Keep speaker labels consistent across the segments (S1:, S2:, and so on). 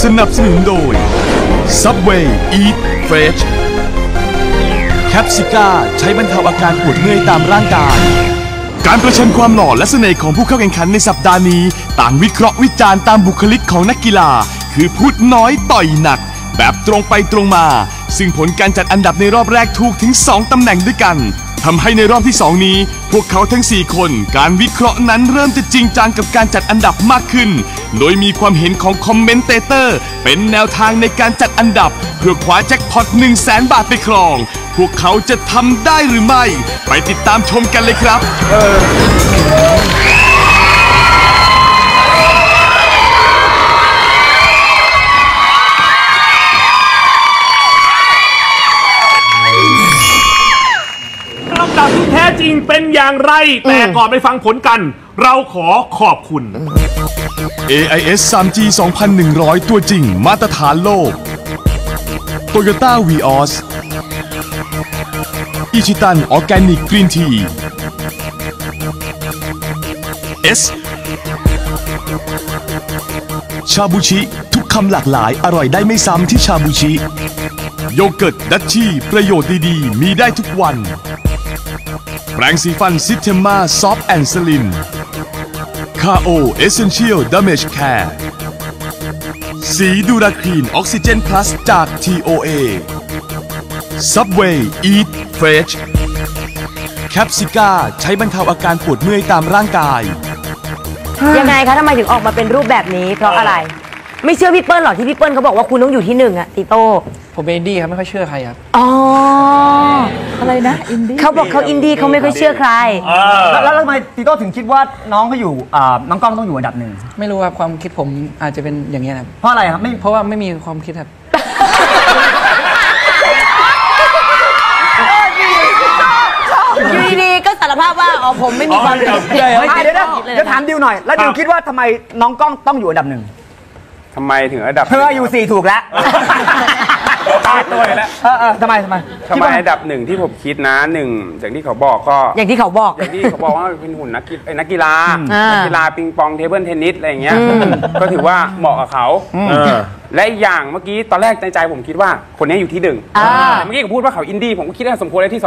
S1: สนับสนุนโดย Subway Eat Fresh แคปซิก้าใช้บรรเทาอาการปวดเมื่อยตามร่างกายการประชันความหล่อและเสน่ห์ของผู้เข้าแข่งขันในสัปดาห์นี้ต่างวิเคราะห์วิจารณ์ตามบุคลิกของนักกีฬาคือพูดน้อยต่อยหนักแบบตรงไปตรงมาซึ่งผลการจัดอันดับในรอบแรกถูกถึง2ตำแหน่งด้วยกันทำให้ในรอบที่2นี้พวกเขาทั้ง4คนการวิเคราะห์นั้นเริ่มจะจริงจังกับการจัดอันดับมากขึ้นโดยมีความเห็นของคอมเมนเตเตอร์เป็นแนวทางในการจัดอันดับเพื่อคว้าแจ็คพอต 100,000 บาทไปครองพวกเขาจะทำได้หรือไม่ไปติดตามชมกันเลยครับ
S2: ลำดับที่แท้จริงเป็นอย่างไรแต่ก่อนไปฟังผลกันเราขอขอบคุณ
S1: AIS 3G 2100 ตัวจริงมาตรฐานโลก Toyota Vios อิชิตันออร์แกนิกกรีนทีS ชาบูชิทุกคำหลากหลายอร่อยได้ไม่ซ้ำที่ชาบูชิโยเกิร์ตดัชชี่ประโยชน์ดีๆมีได้ทุกวันแปรงสีฟันซิสเทมมาซอฟต์แอนด์สลิมคาโอเอเซนเชียลดามจแคร์สีดูราคลีนออกซิเจนพลัสจาก TOA Subway Eat Fresh แคปซิก้าใช้บรรเทาอาการปวดเมื่อยตามร่างกาย
S3: ยังไงคะทำไมถึงออกมาเป็นรูปแบบนี้เพราะอะไรไม่เชื่อพี่เปิ้ลหรอที่พี่เปิ้ลเขาบอกว่าคุณต้องอยู่ที่1อะติโต้
S4: ผมเป็นอินดี้ครับไม่ค่อยเชื่อใครครับ
S3: อ๋อ
S5: อะไรนะอินดี้
S3: เขาบอกเขาอินดี้เขาไม่ค่อยเชื่อใคร
S6: แล้วทำไมติโต้ถึงคิดว่าน้องเขาอยู่น้องกล้องต้องอยู่อันดับหนึ่ง
S4: ไม่รู้ครับความคิดผมอาจจะเป็นอย่างนี้ครับ
S6: เพราะอะไรครับ
S4: เพราะว่าไม่มีความคิดครับ
S3: อยู่ดีๆก็สารภาพว่าอ๋อผมไม่มีความคิด
S6: เดี๋ยวถามดิวหน่อยแล้วดิวคิดว่าทำไมน้องกล้องต้องอยู่อันดับหนึ่ง
S7: ทำไมถึงอันดับ
S6: เธออยู่4ถูกแล้ว
S7: ตายตัวแล้ว
S6: ทำไม
S7: อันดับ1ที่ผมคิดนะ1อย่างที่เขาบอกก็
S3: อย่างที่เขาบอก
S7: ว่าเป็นหุ่นนักกีฬาปิงปองเทเบิลเทนนิสอะไรอย่างเงี้ยก็ถือว่าเหมาะกับเขาและอย่างเมื่อกี้ตอนแรกในใจผมคิดว่าคนนี้อยู่ที่1แต่เมื่อกี้เขาพูดว่าเขาอินดี้ผมก็คิดว่าสมควรได้ที่2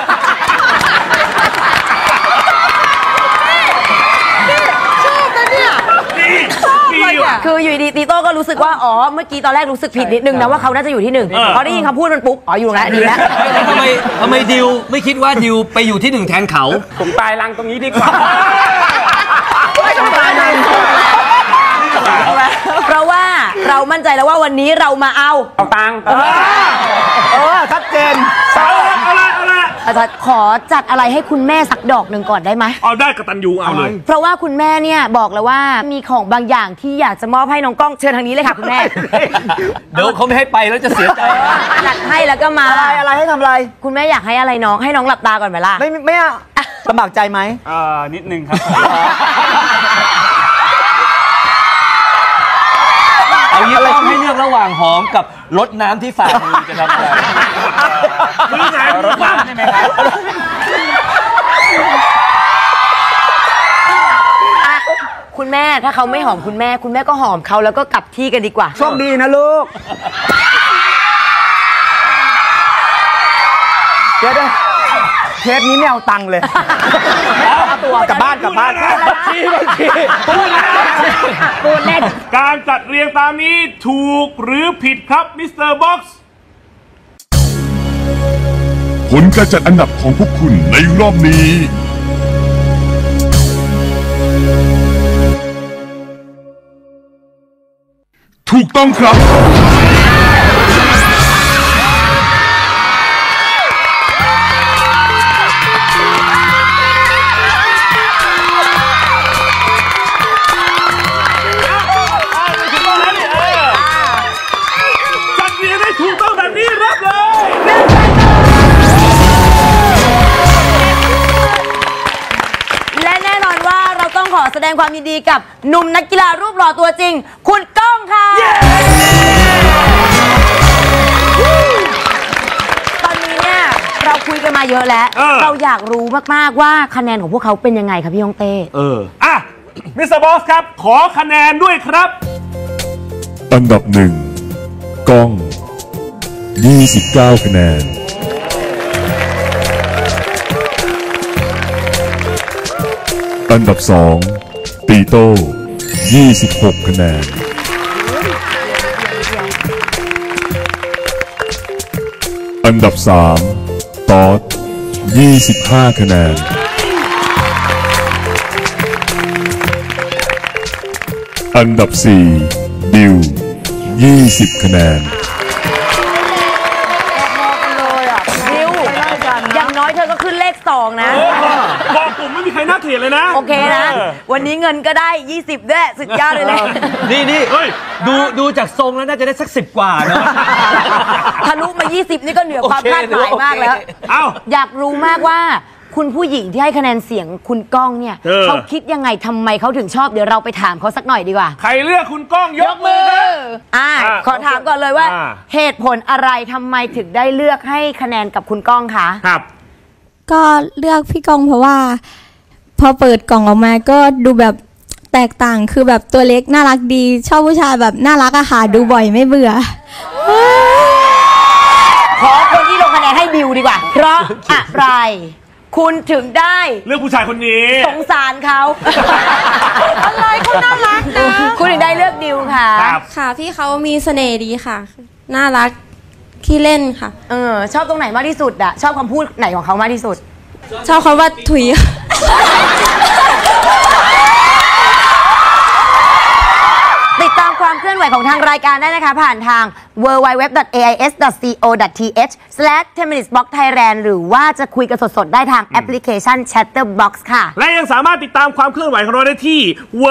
S3: คืออยู่ดีตีโต้ก็รู้สึกว่าอ๋อเมื่อกี้ตอนแรกรู้สึกผิดนิดนึงนะว่าเขาน่าจะอยู่ที่1พอได้ยินคำพูดมันปุ๊บอ๋ออยู่แล้วดีแล้ว
S8: ทำไมดิวไม่คิดว่าดิวไปอยู่ที่1แทนเขา
S7: ผมตายรังตรงนี้ดีกว่า
S3: เพราะว่าเรามั่นใจแล้วว่าวันนี้เรามาเอา
S7: ตังค์
S6: ชัดเจน
S3: อาจารย์ขอจัดอะไรให้คุณแม่สักดอกหนึ่งก่อนได้ไหม
S2: เอาได้กตัญญูเอาเลย
S3: เพราะว่าคุณแม่เนี่ยบอกแล้วว่ามีของบางอย่างที่อยากจะมอบให้น้องกล้องเชิญทางนี้เลยค่ะคุณแม่
S8: เดี๋ยวเขาไม่ให้ไปแล้วจะเสียใจ
S3: จัดให้แล้วก็มา
S6: อะไรให้ทำอะไร
S3: คุณแม่อยากให้อะไรน้องให้น้องหลับตาก่อนไหมล่ะ
S6: ไม่ลำบากใจไหม
S7: นิดนึงครับ
S8: เอางี้ต้องให้เลือกระหว่างหอมกับรดน้ำที่ฝ่ามือจะทำอะไร
S2: มือไหนรดน้ำใช่ไหมครับ
S3: คุณแม่ถ้าเขาไม่หอมคุณแม่ก็หอมเขาแล้วก็กลับที่กันดีกว่า
S6: โชคดีนะลูกเดี๋ยวเทปนี้ไม่เอาตังค์เลยตัวกลับบ้าน
S3: พูดเล่น
S2: การจัดเรียงตามนี้ถูกหรือผิดครับมิสเตอร์บ็อกซ์
S1: ผลการจัดอันดับของพวกคุณในรอบนี้ถูกต้องครับ
S3: ขอแสดงความยินดีกับหนุ่มนักกีฬารูปหล่อตัวจริงคุณก้องค่ะตอนนี้เนี่ยเราคุยกันมาเยอะแล้วเราอยากรู้มากๆว่าคะแนนของพวกเขาเป็นยังไงครับพี่ยงเต้
S2: มิสเตอร์บอสครับขอคะแนนด้วยครับ
S9: อันดับ1ก้อง29คะแนนอันดับ2ตีโต้26คะแนนอันดับ3ตอด25คะแนนอันดับ4ดิว20คะแนน
S3: ดิวอย่างน้อยเธอก็ขึ้นเลข2นะ
S2: บอกผมไม่มีใครน่าเกลียดเลยนะ
S3: โอเคนะ วันนี้เงินก็ได้20ด้วยสุดยอดเลย
S8: นี่ดูจากทรงแล้วน่าจะได้สัก10 กว่าเนาะ
S3: ทะลุมา20นี่ก็เหนือความคาดหมายมากแล้ว
S2: เอ้า
S3: อยากรู้มากว่าคุณผู้หญิงที่ให้คะแนนเสียงคุณก้องเนี่ยเขาคิดยังไงทำไมเขาถึงชอบเดี๋ยวเราไปถามเขาสักหน่อยดีกว่า
S2: ใครเลือกคุณก้องยกมือครับ
S3: ขอถามก่อนเลยว่า เหตุผลอะไรทำไมถึงได้เลือกให้คะแนนกับคุณก้องคะ
S2: ครับ
S10: ก็เลือกพี่ก้องเพราะว่าพอเปิดกล่องออกมาก็ดูแบบแตกต่างคือแบบตัวเล็กน่ารักดีชอบผู้ชายแบบน่ารักอะค่ะดูบ่อยไม่เบื่อ
S3: ขอคนที่ลงคะแนนให้บิวดีกว่า เพราะอะไรคุณถึงได้
S2: เลือกผู้ชายคนนี้
S3: สงสารเขาอะไรเขาน่ารักนะคุณถึงได้เลือกดิวค่ะ
S10: ค่ะพี่เขามีเสน่ห์ดีค่ะน่ารักขี้เล่นค่ะ
S3: ชอบตรงไหนมากที่สุดอะชอบคำพูดไหนของเขามากที่สุด
S10: ชอบคำว่าถุย
S3: ติดตามความเคลื่อนไหวของทางรายการได้นะคะผ่านทาง www.ais.co.th/10minutesbox.thailand หรือว่าจะคุยกันสดๆได้ทางแอปพลิเคชัน Chatterbox ค่ะ
S2: และยังสามารถติดตามความเคลื่อนไหวของเราได้ที่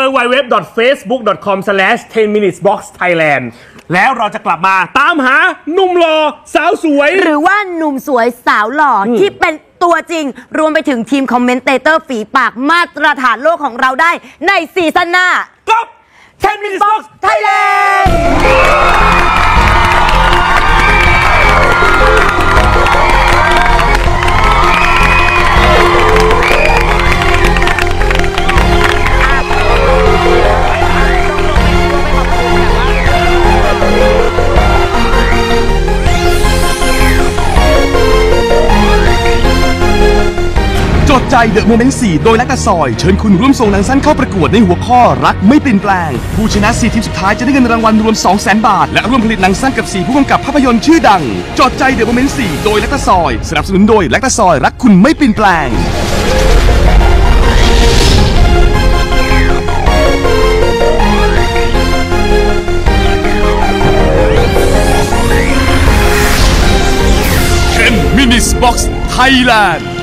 S2: www.facebook.com/10minutesboxthailand แล้วเราจะกลับมาตามหาหนุ่มหล่อสาวสวย
S3: หรือว่าหนุ่มสวยสาวหล่อที่เป็นตัวจริงรวมไปถึงทีมคอมเมนเตเตอร์ฝีปากมาตรฐานโลกของเราได้ในซีซั่นหน้า
S2: กับ10 Minutes Box
S3: Thailand
S1: จดใจเดอะโมเมนต์4โดยนักตะซอยเชิญคุณร่วมส่งหนังสั้นเข้าประกวดในหัวข้อรักไม่เปลี่ยนแปลงผู้ชนะ4ทีมสุดท้ายจะได้เงินรางวัลรวม 200,000 บาทและร่วมผลิตหนังสั้นกับ4ผู้กำกับภาพยนตร์ชื่อดังจดใจเดอะโมเมนต์4โดยนักตะซอยสนับสนุนโดยนักตะซอยรักคุณไม่เปลี่ยนแปลง10 Minutes Box Thailand